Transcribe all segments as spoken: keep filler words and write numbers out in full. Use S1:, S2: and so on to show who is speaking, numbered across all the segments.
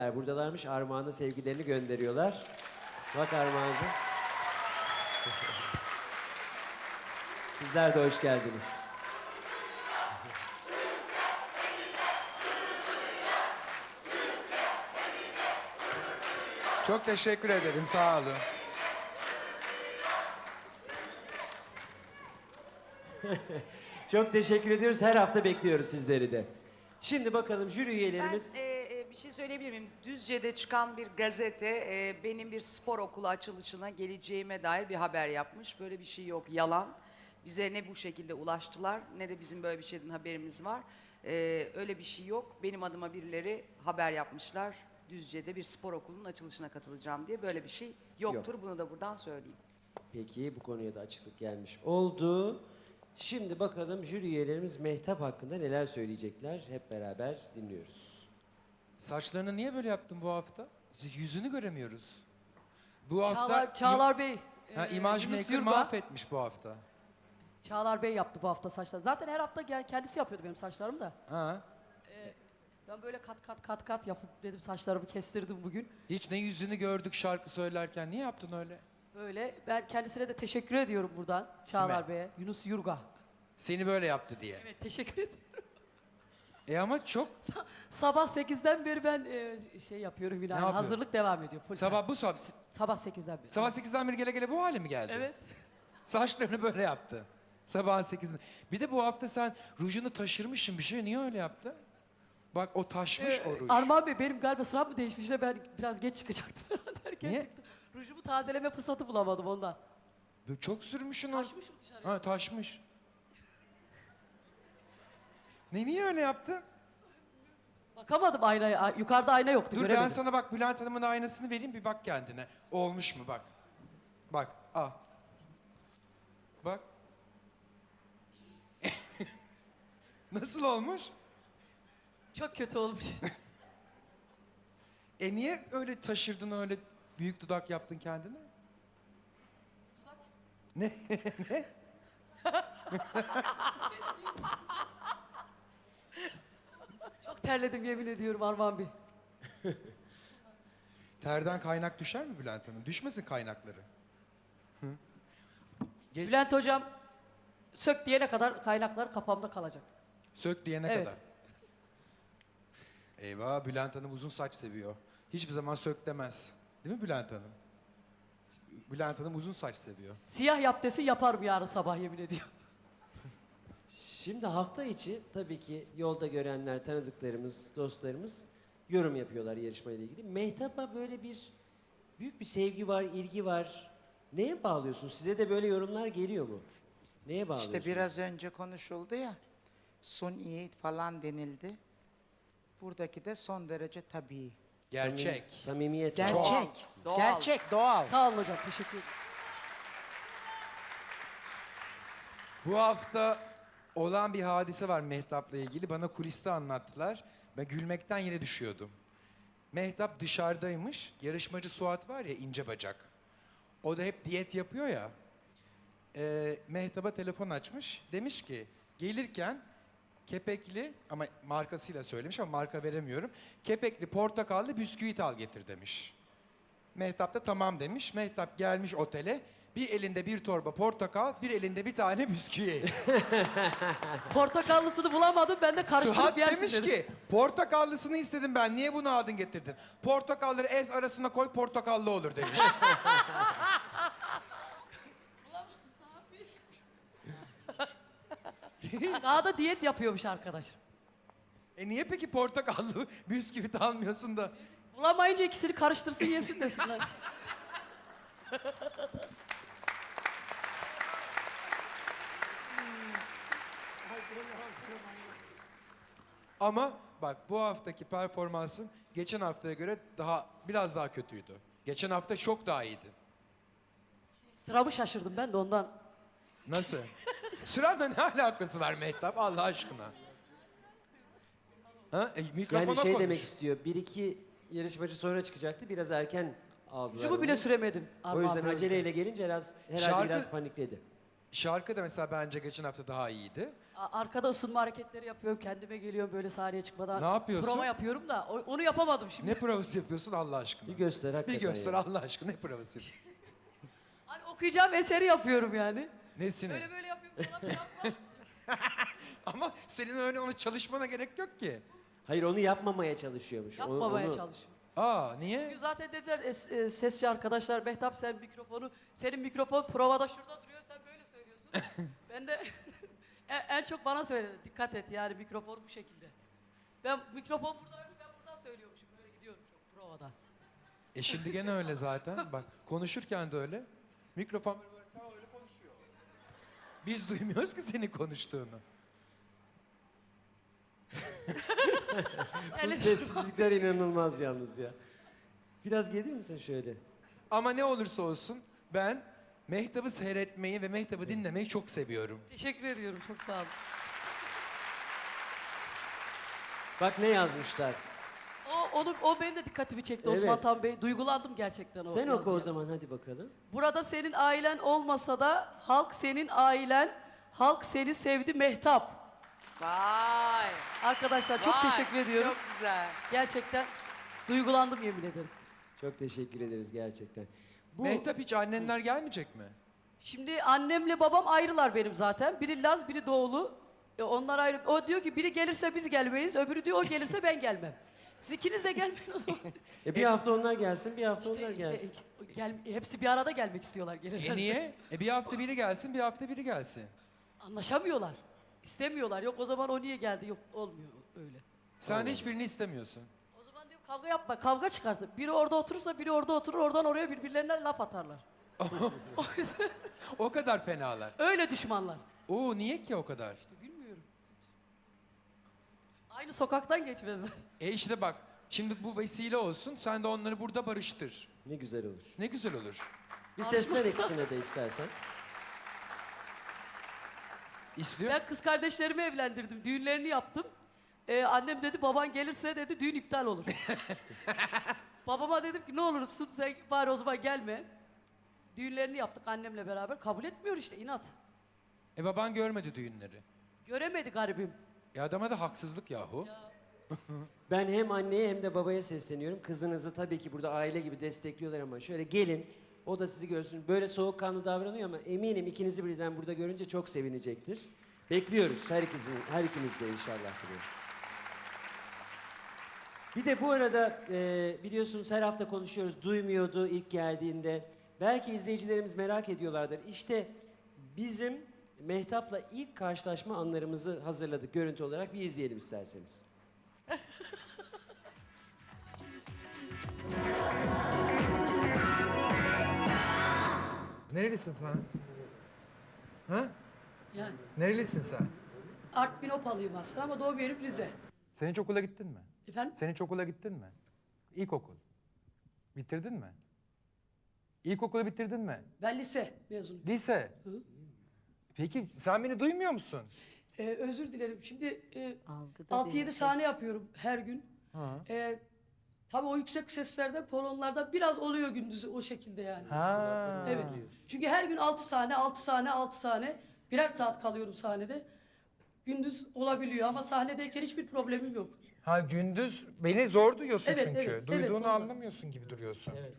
S1: Buradalarmış, Armağan'a sevgilerini gönderiyorlar. Bak Armağan'cığım. Sizler de hoş geldiniz.
S2: Çok teşekkür ederim, sağ olun.
S1: Çok teşekkür ediyoruz. Her hafta bekliyoruz sizleri de. Şimdi bakalım jüri üyelerimiz...
S3: Ben e, e, bir şey söyleyebilir miyim? Düzce'de çıkan bir gazete e, benim bir spor okulu açılışına geleceğime dair bir haber yapmış. Böyle bir şey yok, yalan. Bize ne bu şekilde ulaştılar ne de bizim böyle bir şeyden haberimiz var. E, öyle bir şey yok. Benim adıma birileri haber yapmışlar. Düzce'de bir spor okulunun açılışına katılacağım diye. Böyle bir şey yoktur.
S1: Yok.
S3: Bunu da buradan söyleyeyim.
S1: Peki, bu konuya da açıklık gelmiş oldu. Şimdi bakalım jüri üyelerimiz Mehtap hakkında neler söyleyecekler. Hep beraber dinliyoruz.
S2: Saçlarını niye böyle yaptın bu hafta? Yüzünü göremiyoruz. Bu hafta...
S4: Çağlar, Çağlar Bey.
S2: Ha,
S4: e,
S2: imaj
S4: Yunus
S2: maker
S4: Yurga.
S2: mahvetmiş bu hafta.
S4: Çağlar Bey yaptı bu hafta saçları. Zaten her hafta gel- kendisi yapıyordu benim saçlarımı da.
S2: Ha.
S4: Ben böyle kat kat kat kat yapıp dedim saçlarımı kestirdim bugün.
S2: Hiç ne yüzünü gördük şarkı söylerken. Niye yaptın öyle?
S4: Böyle ben kendisine de teşekkür ediyorum buradan Çağlar
S2: Kime?
S4: Bey'e. Yunus Yurga.
S2: Seni böyle yaptı diye.
S4: Evet, teşekkür ederim.
S2: E ama çok...
S4: Sabah sekizden beri ben e, şey yapıyorum yine.
S2: Ne
S4: yani
S2: yapıyor?
S4: hazırlık devam ediyor. Full
S2: Sabah
S4: time.
S2: bu sabah...
S4: Sabah sekizden beri.
S2: Sabah sekizden beri gele gele bu hale mi geldi?
S4: Evet.
S2: Saçlarını böyle yaptı. Sabahın sekizinde. Bir de bu hafta sen rujunu taşırmışsın bir şey. Niye öyle yaptın? Bak o taşmış
S4: Ee,
S2: o ruj.
S4: Armağan Bey benim galiba sıram mı değişmiş de ben biraz geç çıkacaktım. Erken
S2: Niye?
S4: çıktım. Rujumu tazeleme fırsatı bulamadım ondan.
S2: Böyle çok sürmüşsün o.
S4: Taşmışım dışarı.
S2: Ha taşmış. Ne niye öyle yaptın?
S4: Bakamadım aynaya. Ay- Yukarıda ayna yoktu.
S2: Dur ben
S4: göremedim.
S2: sana bak Bülent Hanım'ın aynasını vereyim bir bak kendine. Olmuş mu bak. Bak al. Bak. Nasıl olmuş?
S4: Çok kötü olmuş.
S2: E niye öyle taşırdın öyle büyük dudak yaptın kendine?
S4: Dudak?
S2: Ne? Ne?
S4: Çok terledim yemin ediyorum Armağan Bey.
S2: Terden kaynak düşer mi Bülent Hanım? Düşmesin kaynakları. Hı? Geç-
S4: Bülent Hocam sök diyene kadar kaynaklar kafamda kalacak.
S2: Sök diyene
S4: Evet.
S2: kadar. Eyvah Bülent Hanım uzun saç seviyor. Hiçbir zaman sök demez. Değil mi Bülent Hanım? Bülent Hanım uzun saç seviyor.
S4: Siyah yap desin yaparım yarın sabah yemin ediyorum.
S1: Şimdi hafta içi tabii ki yolda görenler, tanıdıklarımız, dostlarımız yorum yapıyorlar yarışmayla ilgili. Mehtap'a böyle bir büyük bir sevgi var, ilgi var. Neye bağlıyorsunuz? Size de böyle yorumlar geliyor mu? Neye bağlıyorsunuz?
S5: İşte biraz önce konuşuldu ya, suni falan denildi. Buradaki de son derece tabii.
S2: Gerçek.
S1: Samimi- samimiyet var.
S5: Gerçek,
S3: Doğal.
S5: gerçek, doğal.
S4: Sağ olun hocam teşekkür ederim.
S2: Bu hafta olan bir hadise var Mehtap'la ilgili. Bana kuliste anlattılar. Ben gülmekten yere düşüyordum. Mehtap dışarıdaymış. Yarışmacı Suat var ya ince bacak. O da hep diyet yapıyor ya. Ee, Mehtap'a telefon açmış. Demiş ki gelirken kepekli ama markasıyla söylemiş ama marka veremiyorum. Kepekli portakallı bisküvit al getir demiş. Mehtap da tamam demiş. Mehtap gelmiş otele. Bir elinde bir torba portakal, bir elinde bir tane bisküvi.
S4: Portakallısını bulamadım ben de karıştırıp
S2: Suat
S4: yersin
S2: demiş
S4: dedim.
S2: ki portakallısını istedim ben. Niye bunu aldın getirdin? Portakalları ez arasına koy portakallı olur demiş.
S4: Daha da diyet yapıyormuş arkadaş.
S2: e niye peki portakallı bisküvit almıyorsun da?
S4: Bulamayınca ikisini karıştırsın yesin desinler.
S2: Ama bak bu haftaki performansın geçen haftaya göre daha biraz daha kötüydü. Geçen hafta çok daha iyiydi.
S4: Sıramı şaşırdım ben de ondan.
S2: Nasıl? Sıranla ne alakası var Mehtap Allah aşkına? Ha? E, mikrofona
S1: Yani şey
S2: konuş.
S1: demek istiyor, bir iki yarışmacı sonra çıkacaktı, biraz erken aldılar
S4: Rujumu bile
S1: onu.
S4: süremedim.
S1: O
S4: Armağan
S1: yüzden
S4: Bey.
S1: aceleyle gelince biraz, herhalde
S2: Şarkı-
S1: biraz panikledi.
S2: Şarkı da mesela bence geçen hafta daha iyiydi.
S4: A- Arkada ısınma hareketleri yapıyorum. Kendime geliyorum böyle sahneye çıkmadan.
S2: Ne yapıyorsun?
S4: Prova yapıyorum da o- onu yapamadım şimdi.
S2: Ne provası yapıyorsun Allah aşkına?
S1: Bir göster
S2: Bir
S1: hakikaten.
S2: göster
S1: yani.
S2: Allah aşkına ne provası yapıyorsun?
S4: Hani okuyacağım eseri yapıyorum yani.
S2: Nesini?
S4: Böyle böyle yapıyorum falan yapma.
S2: Ama senin öyle onu çalışmana gerek yok ki.
S1: Hayır onu yapmamaya çalışıyormuş. Onu-
S4: Yapmamaya
S1: onu-
S4: çalışıyorum.
S2: Aa niye?
S4: Bugün zaten dediler es- e, sesçi arkadaşlar, Mehtap sen mikrofonu, senin mikrofon provada şurada duruyor, sen böyle söylüyorsun. Ben de en, en çok bana söyledi, dikkat et yani mikrofon bu şekilde. Ben mikrofon burada, ben buradan söylüyormuşum, böyle gidiyorum provada.
S2: E şimdi gene öyle zaten. Bak konuşurken de öyle. Mikrofon böyle böyle sen öyle konuşuyor. Biz duymuyoruz ki senin konuştuğunu.
S1: Bu
S4: Terli-
S1: sessizlikler inanılmaz yalnız ya. Biraz gelir misin şöyle?
S2: Ama ne olursa olsun ben Mehtap'ı seyretmeyi ve Mehtap'ı dinlemeyi çok seviyorum.
S4: Teşekkür ediyorum, çok sağ olun.
S1: Bak ne yazmışlar.
S4: O, onu, o benim de dikkatimi çekti Osman
S1: Evet.
S4: Tan Bey. Duygulandım gerçekten o
S1: Sen oku o
S4: yazıya.
S1: zaman hadi bakalım.
S4: Burada senin ailen olmasa da halk senin ailen, halk seni sevdi Mehtap.
S3: Vay.
S4: Arkadaşlar çok
S3: vay,
S4: teşekkür ediyorum.
S3: Çok güzel.
S4: Gerçekten duygulandım yemin ederim.
S1: Çok teşekkür ederiz gerçekten. Bu
S2: Mehtap hiç annenler gelmeyecek mi?
S4: Şimdi annemle babam ayrılar benim zaten. Biri Laz, biri Doğulu. E, onlar ayrı. O diyor ki biri gelirse biz gelmeyiz, öbürü diyor o gelirse ben gelmem. Siz ikiniz de gelmeyin o zaman.
S1: e, bir hafta onlar gelsin, bir hafta
S4: İşte-
S1: onlar
S4: işte,
S1: gelsin.
S4: gel, hepsi bir arada gelmek istiyorlar. Gelirler.
S2: E niye? E bir hafta biri gelsin, bir hafta biri gelsin.
S4: Anlaşamıyorlar. İstemiyorlar. Yok o zaman o niye geldi? Yok olmuyor öyle.
S2: Sen de hiçbirini istemiyorsun.
S4: O zaman diyor kavga yapma. Kavga çıkartır. Biri orada oturursa biri orada oturur. Oradan oraya birbirlerine laf atarlar. O yüzden
S2: O kadar fenalar.
S4: öyle düşmanlar.
S2: Oo niye ki o kadar?
S4: Bilmiyorum. Aynı sokaktan geçmezler.
S2: E işte bak, şimdi bu vesile olsun, sen de onları burada barıştır.
S1: Ne güzel olur.
S2: Ne güzel olur.
S1: Bir seslen ikisine de istersen.
S2: İstiyor.
S4: Ben kız kardeşlerimi evlendirdim. Düğünlerini yaptım. Ee, annem dedi baban gelirse dedi düğün iptal olur. Babama dedim ki ne olursun sen bari o zaman gelme. Düğünlerini yaptık annemle beraber. Kabul etmiyor işte inat.
S2: E baban görmedi düğünleri.
S4: Göremedi garibim.
S2: E adama da haksızlık yahu.
S1: Ben hem anneye hem de babaya sesleniyorum. Kızınızı tabii ki burada aile gibi destekliyorlar ama şöyle gelin. O da sizi görsün. Böyle soğukkanlı davranıyor ama eminim ikinizi birden burada görünce çok sevinecektir. Bekliyoruz her ikizin, her ikiniz de inşallah. Diyorum. Bir de bu arada e, biliyorsunuz her hafta konuşuyoruz. Duymuyordu ilk geldiğinde. Belki izleyicilerimiz merak ediyorlardır. İşte bizim Mehtap'la ilk karşılaşma anlarımızı hazırladık görüntü olarak. Bir izleyelim isterseniz.
S2: Nerelisin sen? Ha?
S4: Yani
S2: Nerelisin sen?
S4: Artvin Opalıyım aslında ama doğum yerim Rize.
S2: Sen hiç okula gittin mi?
S4: Efendim?
S2: Sen hiç okula gittin mi? İlkokul. Bitirdin mi? İlkokulu bitirdin mi?
S4: Ben lise mezunuyum.
S2: Lise.
S4: Hı.
S2: Peki sen beni duymuyor musun?
S4: Ee, özür dilerim. Şimdi e,
S6: Algıda
S4: altı yedi
S6: değil,
S4: sahne yapıyorum her gün.
S2: Ha.
S4: Ee, tabii o yüksek seslerde, kolonlarda biraz oluyor gündüzü o şekilde yani.
S2: Ha.
S4: Evet. Çünkü her gün altı sahne, altı sahne, altı sahne. Birer saat kalıyorum sahnede. Gündüz olabiliyor ama sahnedeyken hiçbir problemim yok.
S2: Ha gündüz beni zor duyuyorsun
S4: Evet,
S2: çünkü.
S4: evet, evet,
S2: Duyduğunu
S4: vallahi.
S2: anlamıyorsun gibi duruyorsun.
S1: Evet.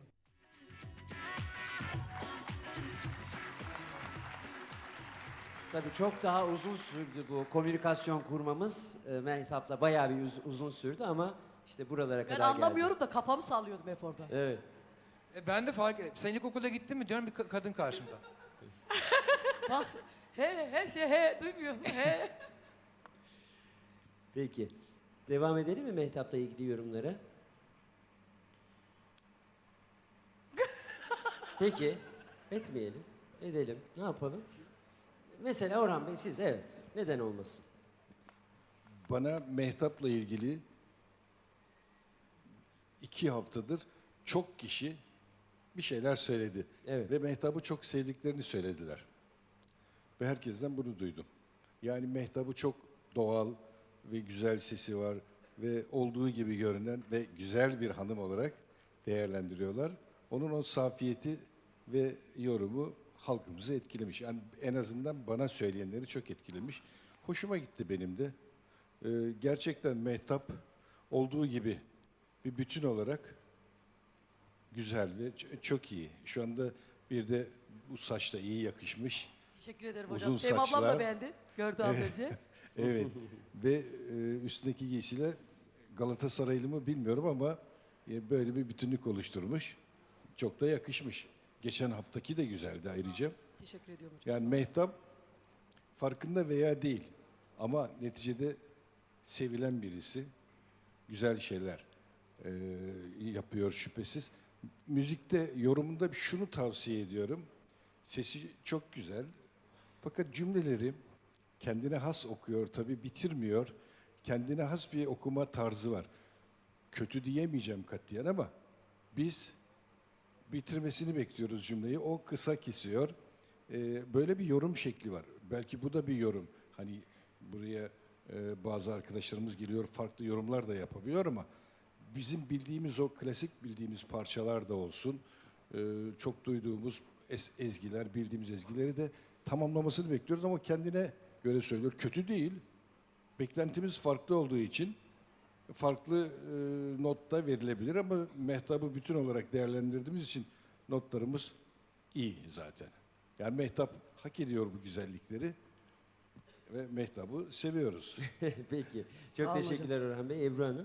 S1: Tabii çok daha uzun sürdü bu komünikasyon kurmamız. E, Mehtap'la bayağı bir uz- uzun sürdü ama işte buralara
S4: Ben
S1: kadar geldi.
S4: anlamıyorum da kafamı sallıyordum hep orada.
S1: Evet.
S2: E ben de fark Sen ilkokula gittin mi diyorum bir ka- kadın karşımda.
S4: Bak, he, her şey he, duymuyorum. He.
S1: Peki. Devam edelim mi Mehtap'la ilgili yorumlara? Peki. Etmeyelim. Edelim. Ne yapalım? Mesela Orhan Bey siz evet. Neden olmasın?
S7: Bana Mehtap'la ilgili iki haftadır çok kişi bir şeyler söyledi.
S1: Evet.
S7: Ve Mehtap'ı çok sevdiklerini söylediler. Ve herkesten bunu duydum. Yani Mehtap'ı çok doğal ve güzel sesi var ve olduğu gibi görünen ve güzel bir hanım olarak değerlendiriyorlar. Onun o safiyeti ve yorumu halkımızı etkilemiş. Yani en azından bana söyleyenleri çok etkilemiş. Hoşuma gitti benim de. Ee, gerçekten Mehtap olduğu gibi bir bütün olarak güzel ve ç- çok iyi. Şu anda bir de bu saçta iyi yakışmış.
S4: Teşekkür ederim
S7: Uzun
S4: hocam. Sevim ablam da
S7: saçlar.
S4: beğendi. Gördü az önce.
S7: Evet ve e, üstündeki giysiyle Galatasaraylı mı bilmiyorum ama e, böyle bir bütünlük oluşturmuş. Çok da yakışmış. Geçen haftaki de güzeldi ayrıca.
S4: Teşekkür ediyorum hocam.
S7: Yani Mehtap farkında veya değil ama neticede sevilen birisi. Güzel şeyler e, yapıyor şüphesiz. Müzikte yorumunda şunu tavsiye ediyorum. Sesi çok güzel fakat cümleleri kendine has okuyor tabii bitirmiyor. Kendine has bir okuma tarzı var. Kötü diyemeyeceğim katiyen ama biz bitirmesini bekliyoruz cümleyi. O kısa kesiyor. Ee, böyle bir yorum şekli var. Belki bu da bir yorum. Hani buraya e, bazı arkadaşlarımız geliyor, farklı yorumlar da yapabiliyor ama bizim bildiğimiz o klasik bildiğimiz parçalar da olsun. Ee, çok duyduğumuz es- ezgiler, bildiğimiz ezgileri de tamamlamasını bekliyoruz ama kendine göre söylüyor. Kötü değil. Beklentimiz farklı olduğu için farklı e, notta verilebilir ama Mehtap'ı bütün olarak değerlendirdiğimiz için notlarımız iyi zaten. Yani Mehtap hak ediyor bu güzellikleri ve Mehtap'ı seviyoruz.
S1: Peki.
S4: Sağ
S1: Çok
S4: olun
S1: teşekkürler Orhan Bey. Ebru Hanım.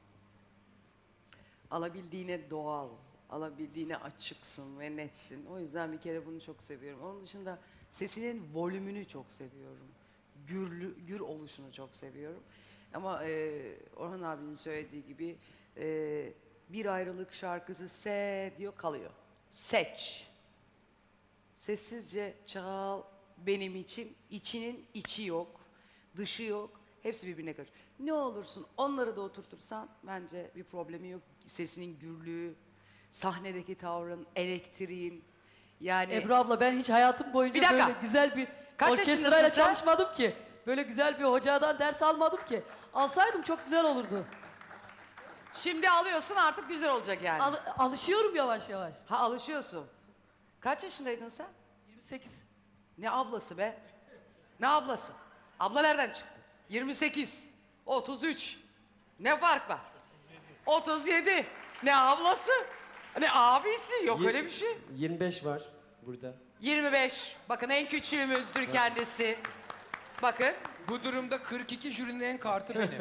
S3: Alabildiğine doğal, alabildiğine açıksın ve netsin. O yüzden bir kere bunu çok seviyorum. Onun dışında sesinin volümünü çok seviyorum. Gürlü, gür oluşunu çok seviyorum. Ama e, Orhan abinin söylediği gibi e, bir ayrılık şarkısı se diyor kalıyor. Seç. Sessizce çal benim için. İçinin içi yok, dışı yok. Hepsi birbirine karışıyor. Ne olursun onları da oturtursan bence bir problemi yok. Sesinin gürlüğü, sahnedeki tavrın, elektriğin. Yani
S4: Ebru abla ben hiç hayatım boyunca
S3: Bir dakika.
S4: böyle güzel bir
S3: Kaç
S4: orkestrayla
S3: yaşındasın sen?
S4: çalışmadım ki. Böyle güzel bir hocadan ders almadım ki. Alsaydım çok güzel olurdu.
S3: şimdi alıyorsun artık güzel olacak yani.
S4: Al- alışıyorum yavaş yavaş.
S3: ha alışıyorsun. Kaç yaşındaydın sen?
S4: yirmi sekiz.
S3: Ne ablası be? Ne ablası? Abla nereden çıktı? yirmi sekiz, otuz üç. Ne fark var? otuz yedi. Ne ablası? Ne abisi? Yok
S1: Yir-
S3: öyle bir şey.
S1: yirmi beş var burada.
S3: yirmi beş. Bakın en küçüğümüzdür kendisi. Bakın
S2: Bu durumda kırk iki jürinin en kartı benim.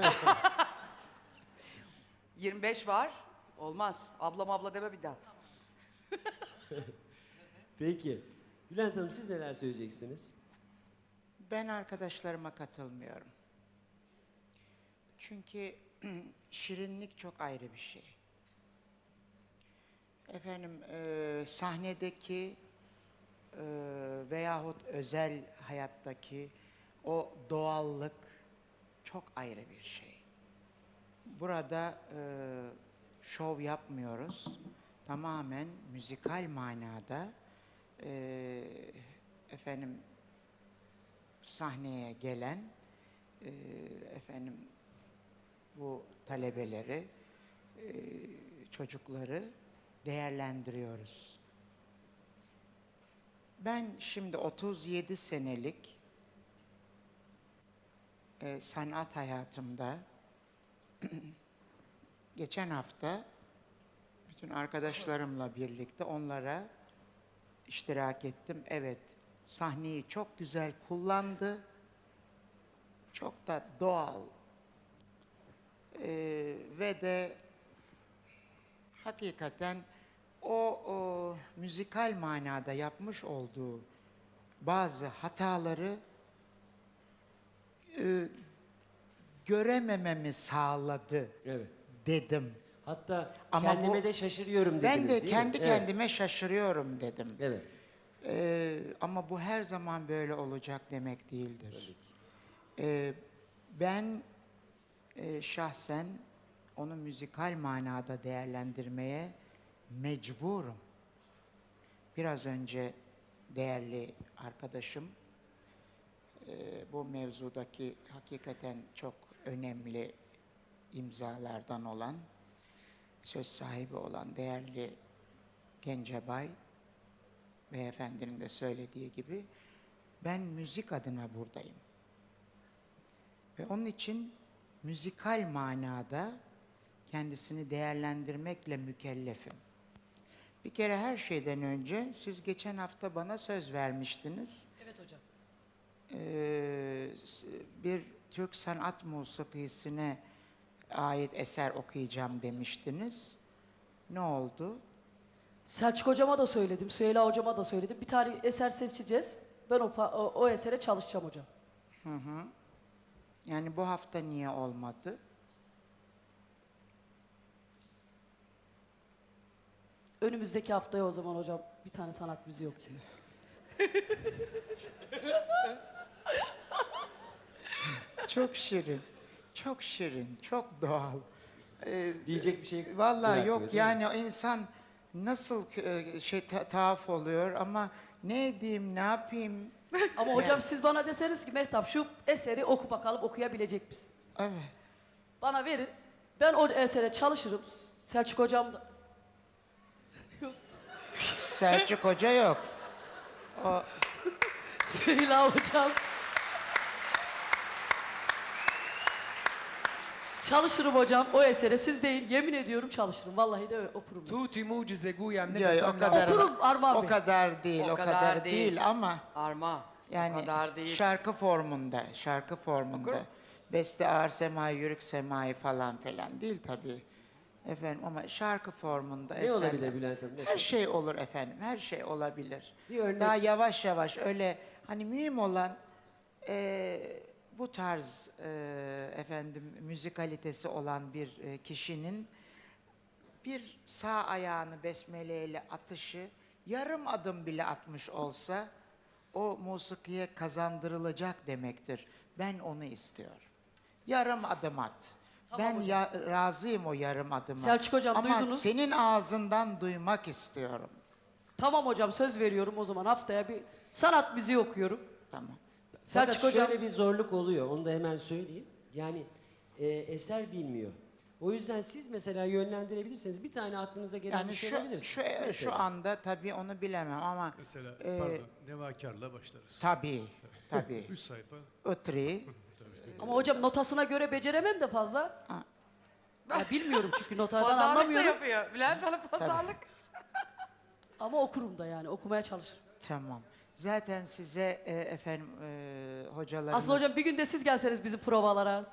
S3: yirmi beş var. Olmaz. Ablam abla deme bir daha.
S1: Peki. Bülent Hanım siz neler söyleyeceksiniz?
S5: Ben arkadaşlarıma katılmıyorum. Çünkü şirinlik çok ayrı bir şey. Efendim e, sahnedeki e, veyahut özel hayattaki o doğallık çok ayrı bir şey. Burada e, şov yapmıyoruz. Tamamen müzikal manada e, efendim sahneye gelen e, efendim bu talebeleri, e, çocukları değerlendiriyoruz. Ben şimdi otuz yedi senelik e, sanat hayatımda geçen hafta bütün arkadaşlarımla birlikte onlara iştirak ettim. Evet, sahneyi çok güzel kullandı. Çok da doğal. Ee, ve de hakikaten o, o müzikal manada yapmış olduğu bazı hataları e, göremememi sağladı
S1: Evet.
S5: dedim.
S1: Hatta
S5: Ama
S1: kendime
S5: bu-
S1: de şaşırıyorum dediniz
S5: Ben de
S1: değil mi?
S5: kendi
S1: Evet.
S5: kendime şaşırıyorum dedim.
S1: Evet.
S5: Ee, ama bu her zaman böyle olacak demek değildir.
S1: Tabii ki.
S5: Ee, ben e, şahsen onu müzikal manada değerlendirmeye mecburum. Biraz önce değerli arkadaşım e, bu mevzudaki hakikaten çok önemli imzalardan olan, söz sahibi olan değerli Gencebay beyefendinin de söylediği gibi ben müzik adına buradayım. Ve onun için müzikal manada kendisini değerlendirmekle mükellefim. Bir kere her şeyden önce siz geçen hafta bana söz vermiştiniz.
S4: Evet hocam.
S5: Ee, s- bir Türk sanat musikisine ait eser okuyacağım demiştiniz. Ne oldu?
S4: Selçuk hocama da söyledim, Süheyla hocama da söyledim. Bir tane eser seçeceğiz. Ben o, pa- o, o esere çalışacağım hocam.
S5: Yani bu hafta niye olmadı?
S4: Önümüzdeki haftaya o zaman hocam bir tane sanat müziği okuyayım.
S5: Çok şirin, çok şirin, çok doğal. Ee,
S1: Diyecek bir şey
S5: Vallahi
S1: bırakmıyor,
S5: yok
S1: değil mi?
S5: yani o insan nasıl e, şey ta- tuhaf oluyor ama ne edeyim, ne yapayım?
S4: Ama hocam siz bana deseniz ki Mehtap şu eseri oku bakalım okuyabilecek misin?
S5: Evet.
S4: Bana verin. Ben o esere çalışırım. Selçuk hocam da.
S5: Selçuk Hoca yok. O
S4: Süheyla hocam. Çalışırım hocam o esere. Siz değil yemin ediyorum çalışırım. Vallahi de öyle okurum. ben.
S2: Tuti mucize guyem ne
S5: Ya,
S2: desem
S5: o kadar
S4: Okurum Armağan
S5: o
S4: Bey.
S5: kadar değil,
S3: O
S5: o,
S3: kadar
S5: kadar,
S3: değil.
S5: değil. ama
S3: Arma.
S5: yani
S3: o kadar değil.
S5: şarkı formunda, şarkı formunda. Beste ağır semai, yürük semai falan filan değil tabii. Efendim ama şarkı formunda
S1: Ne
S5: eserler.
S1: olabilir Bülent Hanım?
S5: Her
S1: Mesela?
S5: şey olur efendim, her şey olabilir.
S1: Bir örnek-
S5: Daha yavaş yavaş öyle hani mühim olan eee, bu tarz eee, efendim müzikalitesi olan bir eee, kişinin bir sağ ayağını besmeleyle atışı yarım adım bile atmış olsa o musikiye kazandırılacak demektir. Ben onu istiyorum. Yarım adım at.
S4: Tamam
S5: ben
S4: hocam.
S5: ya, razıyım o yarım adıma.
S4: Selçuk hocam,
S5: Ama
S4: duydunuz.
S5: senin ağzından duymak istiyorum.
S4: Tamam hocam söz veriyorum o zaman haftaya bir sanat müziği okuyorum.
S5: Tamam.
S4: Selçuk
S1: Fakat
S4: hocam.
S1: şöyle bir zorluk oluyor, onu da hemen söyleyeyim. Yani e, eser bilmiyor. O yüzden siz mesela yönlendirebilirseniz bir tane aklınıza gelen
S5: Yani
S1: bir şey
S5: şu
S1: olabilir.
S5: şu
S1: Mesela.
S5: şu anda tabii onu bilemem ama
S6: Mesela
S5: Ee,
S6: pardon, Nevakar'la başlarız.
S5: tabii tabii.
S6: Üç sayfa.
S5: Itri,
S4: Ama hocam notasına göre beceremem de fazla.
S5: Ha.
S4: Ya bilmiyorum çünkü notadan
S3: Pazarlık da
S4: anlamıyorum.
S3: yapıyor. Bülent Hanım pazarlık.
S4: Ama okurum da yani okumaya çalışırım.
S5: tamam. Zaten size e, efendim e, hocalarımız...
S4: Aslında hocam bir gün de siz gelseniz bizim provalara.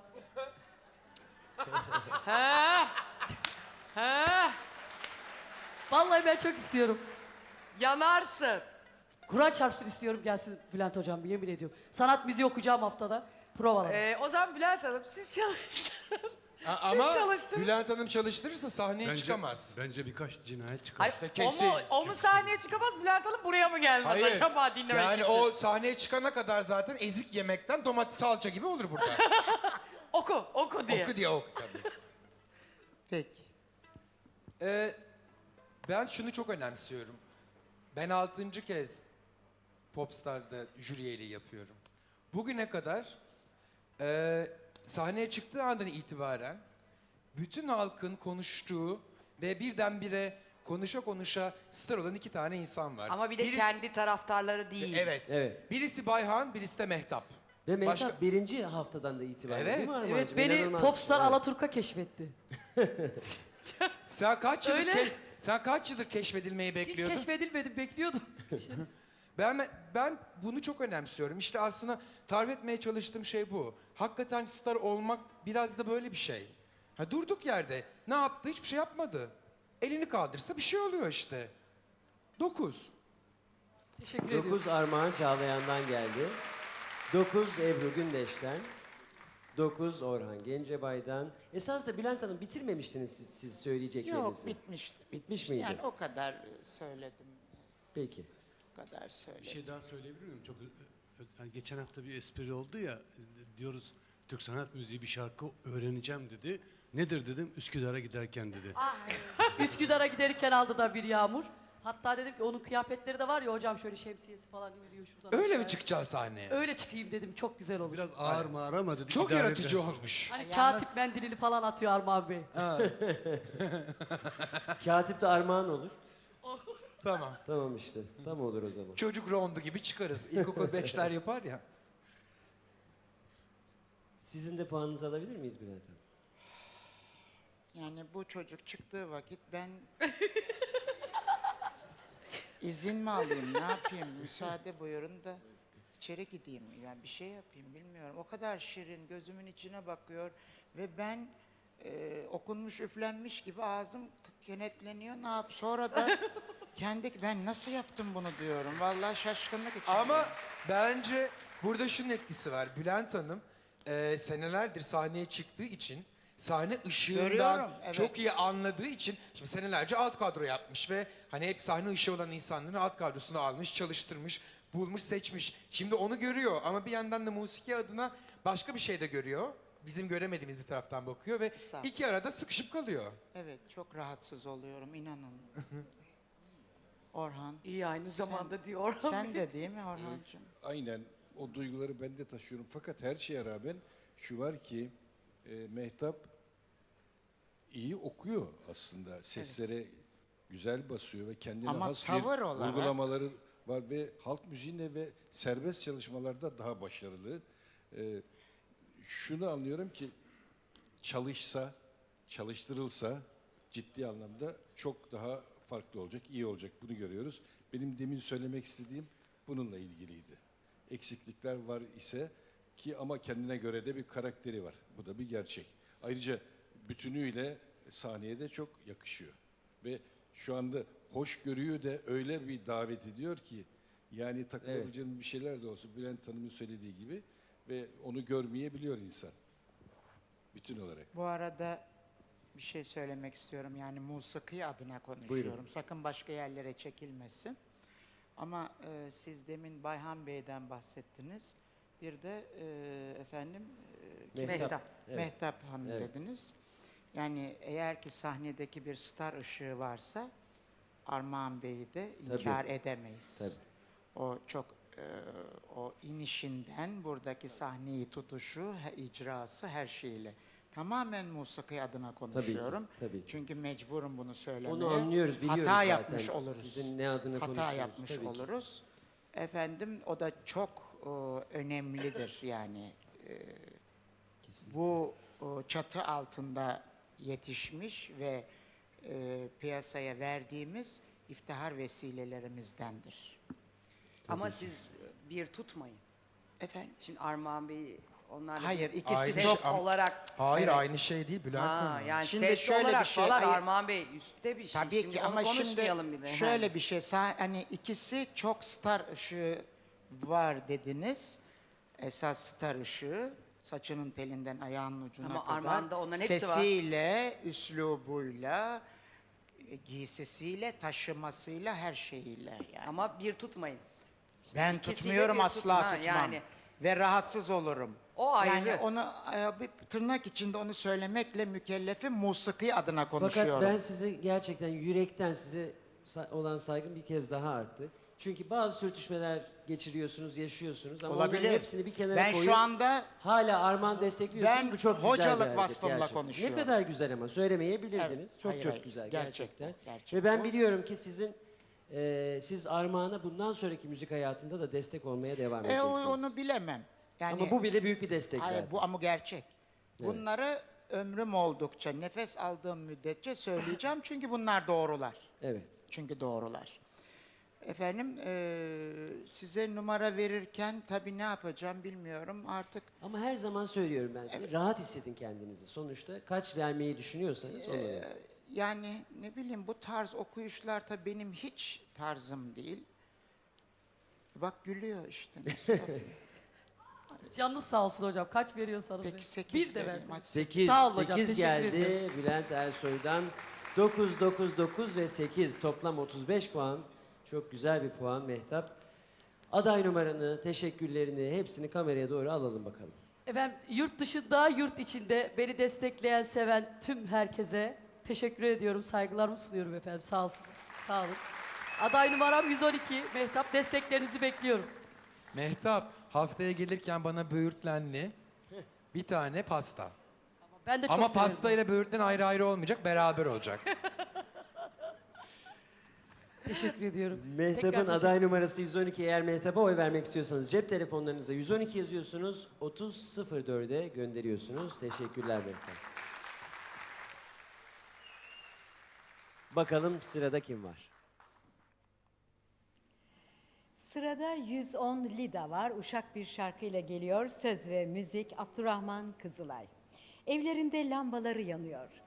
S3: He. He.
S4: Vallahi ben çok istiyorum.
S3: Yanarsın.
S4: Kur'an çarpsın istiyorum gelsin Bülent hocam yemin ediyorum. Sanat müziği okuyacağım haftada provalara.
S3: Ee, o zaman Bülent Hanım siz çalıştırın.
S2: A-
S3: Siz
S2: ama
S3: çalıştırın.
S2: Bülent Hanım çalıştırırsa sahneye
S6: Bence,
S2: çıkamaz.
S6: bence birkaç cinayet çıkar.
S3: Hayır,
S2: İşte
S3: o
S2: kesin,
S3: mu, o mu sahneye çıkamaz Bülent Hanım buraya mı gelmez acaba dinlemek
S2: yani
S3: için?
S2: o sahneye çıkana kadar zaten ezik yemekten domates salça gibi olur burada.
S3: Oku, oku diye.
S2: Oku diye oku tabii.
S5: Peki.
S2: Ee, ben şunu çok önemsiyorum. Ben altıncı kez Popstar'da jüri üyeliği yapıyorum. Bugüne kadar e, sahneye çıktığı andan itibaren bütün halkın konuştuğu ve birdenbire konuşa konuşa star olan iki tane insan var.
S3: Ama bir de
S2: Birisi-
S3: kendi taraftarları değil.
S2: Evet.
S1: Evet.
S2: Birisi Bayhan, birisi de Mehtap.
S1: Ve Mehtap
S2: Başka-
S1: birinci haftadan da itibaren
S2: Evet.
S1: değil mi Armağan'cığım?
S4: Evet beni
S1: İnanılmaz.
S4: Popstar
S1: Evet.
S4: Alaturka keşfetti.
S2: Sen kaç yıldır
S4: Öyle.
S2: ke- sen kaç yıldır keşfedilmeyi
S4: Hiç
S2: bekliyordun?
S4: keşfedilmedim bekliyordum.
S2: Ben ben bunu çok önemsiyorum. İşte aslında tarif etmeye çalıştığım şey bu. Hakikaten star olmak biraz da böyle bir şey. Ha durduk yerde ne yaptı? Hiçbir şey yapmadı. Elini kaldırsa bir şey oluyor işte. Dokuz.
S4: Teşekkür ediyorum.
S1: dokuz Armağan Çağlayan'dan geldi. dokuz Ebru Gündeş'ten. dokuz Orhan Gencebay'dan. Esas da Bülent Hanım bitirmemiştiniz siz, siz söyleyeceklerinizi.
S5: Yok bitmişti.
S1: Bitmiş miydi?
S5: Yani o kadar e, söyledim.
S1: Peki.
S5: O kadar
S6: Bir
S5: söyledim.
S6: şey daha söyleyebilir miyim? Çok ö- ö- yani geçen hafta bir espri oldu ya, e, diyoruz Türk sanat müziği bir şarkı öğreneceğim dedi. Nedir dedim, Üsküdar'a giderken dedi.
S4: Üsküdar'a giderken aldı da bir yağmur. Hatta dedim ki onun kıyafetleri de var ya hocam şöyle şemsiyesi falan indiriyor şuradan.
S2: Öyle mi
S4: aşağıya.
S2: çıkacaksın sahneye?
S4: Öyle çıkayım dedim çok güzel olur.
S6: Biraz ağır mağır ama dedi.
S2: Çok
S6: idare
S2: yaratıcı
S6: eder.
S2: olmuş.
S4: Hani
S5: Yalnız-
S4: katip mendilini falan atıyor Armağan Bey.
S1: Katip de Armağan olur.
S2: Tamam.
S1: Tamam işte. Tam olur o zaman.
S2: Çocuk rondu gibi çıkarız. İlkokul beşler yapar ya.
S1: Sizin de puanınızı alabilir miyiz Bülent Hanım?
S5: Yani bu çocuk çıktığı vakit ben izin mi alayım, ne yapayım? Müsaade buyurun da içeri gideyim. Yani bir şey yapayım bilmiyorum. O kadar şirin, gözümün içine bakıyor ve ben e, okunmuş, üflenmiş gibi ağzım kenetleniyor. Ne yap? Sonra da kendi ben nasıl yaptım bunu diyorum. Vallahi şaşkınlık içindeyim.
S2: Ama bence burada şunun etkisi var. Bülent Hanım e, senelerdir sahneye çıktığı için sahne ışığından
S5: Görüyorum, evet.
S2: çok iyi anladığı için şimdi senelerce alt kadro yapmış ve hani hep sahne ışığı olan insanların alt kadrosunu almış, çalıştırmış, bulmuş, seçmiş. Şimdi onu görüyor ama bir yandan da musiki adına başka bir şey de görüyor. Bizim göremediğimiz bir taraftan bakıyor ve
S5: Estağfurullah.
S2: iki arada sıkışıp kalıyor.
S5: Evet, çok rahatsız oluyorum inanın. Orhan,
S3: İyi aynı zamanda diyor.
S5: sen de değil mi Orhancığım?
S7: Aynen o duyguları ben de taşıyorum. Fakat her şeye rağmen şu var ki e, Mehtap iyi okuyor aslında. Seslere güzel basıyor ve kendine
S5: Ama
S7: has
S5: tavır
S7: bir
S5: olarak-
S7: uygulamaları var ve halk müziğinde ve serbest çalışmalarda daha başarılı. E, şunu anlıyorum ki çalışsa, çalıştırılsa ciddi anlamda çok daha farklı olacak, iyi olacak. Bunu görüyoruz. Benim demin söylemek istediğim bununla ilgiliydi. Eksiklikler var ise ki ama kendine göre de bir karakteri var. Bu da bir gerçek. Ayrıca bütünüyle sahneye de çok yakışıyor. Ve şu anda hoşgörüyü de öyle bir davet ediyor ki yani takılabileceğim bir şeyler de olsa Bülent Hanım'ın söylediği gibi ve onu görmeyebiliyor insan. Bütün olarak.
S5: Bu arada bir şey söylemek istiyorum. Yani musiki adına konuşuyorum.
S1: Buyurun.
S5: Sakın başka yerlere çekilmesin. Ama e, siz demin Bayhan Bey'den bahsettiniz. Bir de e, efendim e, kim-
S1: Mehtap.
S3: Mehtap.
S1: Evet.
S5: Mehtap Hanım
S1: Evet.
S5: dediniz. Yani eğer ki sahnedeki bir star ışığı varsa Armağan Bey'i de inkar edemeyiz.
S1: Tabii.
S5: O çok e, o inişinden buradaki sahneyi tutuşu, he- icrası her şeyiyle. Tamamen musiki adına konuşuyorum.
S1: tabii ki.
S5: Çünkü mecburum bunu söylemeye.
S1: Onu anlıyoruz, biliyoruz
S5: Hata
S1: zaten.
S5: yapmış oluruz.
S1: Sizin ne adına
S5: Hata
S1: konuştuğunuzu,
S5: yapmış
S1: tabii ki.
S5: oluruz. Efendim o da çok e, önemlidir yani. E,
S1: Kesinlikle.
S5: bu e, çatı altında yetişmiş ve e, piyasaya verdiğimiz iftihar vesilelerimizdendir.
S3: Ama siz bir tutmayın.
S5: Efendim?
S3: Şimdi Armağan Bey onlarla
S5: Hayır,
S3: bir
S5: ikisi
S2: Aynı
S3: ses
S2: şey-
S3: olarak
S2: Hayır
S5: Evet.
S2: aynı şey değil Bülent
S3: ha,
S2: Hanım.
S3: yani
S5: Şimdi
S3: ses
S5: şöyle
S3: olarak
S5: bir şey-
S3: falan
S5: hayır.
S3: Armağan Bey üstte bir şey.
S5: Tabii
S3: Şimdi
S5: ki
S3: onu
S5: ama şimdi
S3: konuşmayalım bile.
S5: şöyle
S3: Ha.
S5: bir şey sa- hani ikisi çok star ışığı var dediniz. Esas star ışığı saçının telinden ayağının ucuna
S3: Ama
S5: kadar.
S3: Armağan'da onların hepsi var.
S5: Sesiyle, üslubuyla, e, giysisiyle, taşımasıyla, her şeyiyle yani.
S3: Ama bir tutmayın.
S5: Ben
S3: ikisiyle
S5: tutmuyorum
S3: bir
S5: asla
S3: tutma,
S5: tutmam.
S3: yani.
S5: Ve rahatsız olurum.
S3: O ayrı.
S5: Yani onu e, bir tırnak içinde onu söylemekle mükellefim, musiki adına
S1: Fakat
S5: konuşuyorum.
S1: ben size gerçekten yürekten size sa- olan saygım bir kez daha arttı. Çünkü bazı sürtüşmeler geçiriyorsunuz, yaşıyorsunuz ama onların
S5: Olabilir.
S1: hepsini bir kenara
S5: Ben
S1: koyup
S5: şu anda
S1: hala Armağan destekliyorsunuz.
S5: Ben
S1: Bu çok güzel
S5: hocalık
S1: bir hareket
S5: vasfımla
S1: gerçekten.
S5: konuşuyorum.
S1: Ne kadar güzel ama söylemeyebilirdiniz.
S5: Evet,
S1: Çok
S5: hayır,
S1: çok
S5: hayır.
S1: güzel
S5: Gerçek
S1: gerçekten.
S5: bu, gerçek
S1: Ve ben
S5: bu.
S1: biliyorum ki sizin e, siz Armağan'a bundan sonraki müzik hayatında da destek olmaya devam
S5: e, o-
S1: edeceksiniz.
S5: onu bilemem. Yani
S1: ama bu bile büyük bir destek
S5: hayır,
S1: zaten.
S5: bu ama gerçek. Bunları ömrüm oldukça, nefes aldığım müddetçe söyleyeceğim çünkü bunlar doğrular.
S1: Evet.
S5: Çünkü doğrular. Efendim eee, size numara verirken tabii ne yapacağım bilmiyorum artık.
S1: Ama her zaman söylüyorum ben size. Rahat hissedin kendinizi. Sonuçta kaç vermeyi düşünüyorsanız onu verin.
S5: Yani ne bileyim bu tarz okuyuşlar tabii benim hiç tarzım değil. Bak gülüyor işte. nasıl tabii.
S4: Canınız sağ olsun hocam. Kaç veriyorsanız verin.
S5: Peki sekiz
S4: Bir de
S5: vereyim,
S4: verseniz.
S5: hadi.
S1: sekiz,
S4: Sağ ol hocam,
S1: sekiz
S4: teşekkür
S1: geldi
S4: ederim.
S1: Bülent Ersoy'dan. dokuz, dokuz, dokuz ve sekiz toplam otuz beş puan. Çok güzel bir puan Mehtap. Aday numaranı, teşekkürlerini hepsini kameraya doğru alalım bakalım.
S4: Efendim yurt dışında, yurt içinde beni destekleyen, seven tüm herkese teşekkür ediyorum. Saygılarımı sunuyorum efendim. Sağ olsun. Sağ olun. Aday numaram yüz on iki. Mehtap, desteklerinizi bekliyorum.
S2: Mehtap haftaya gelirken bana böğürtlenli bir tane pasta.
S4: Ben de çok
S2: Ama
S4: severim.
S2: pasta ile böğürtlen ayrı ayrı olmayacak, beraber olacak.
S4: Teşekkür ediyorum.
S1: Mehtap'ın
S4: Tekrar
S1: aday numarası yüz on iki. Eğer Mehtap'a oy vermek istiyorsanız cep telefonlarınıza yüz on iki yazıyorsunuz. otuz sıfır dörde gönderiyorsunuz. Teşekkürler Mehtap. Bakalım sırada kim var?
S8: Sırada yüz on Lida var. Uşak bir şarkıyla geliyor. Söz ve müzik Abdurrahman Kızılay. Evlerinde lambaları yanıyor.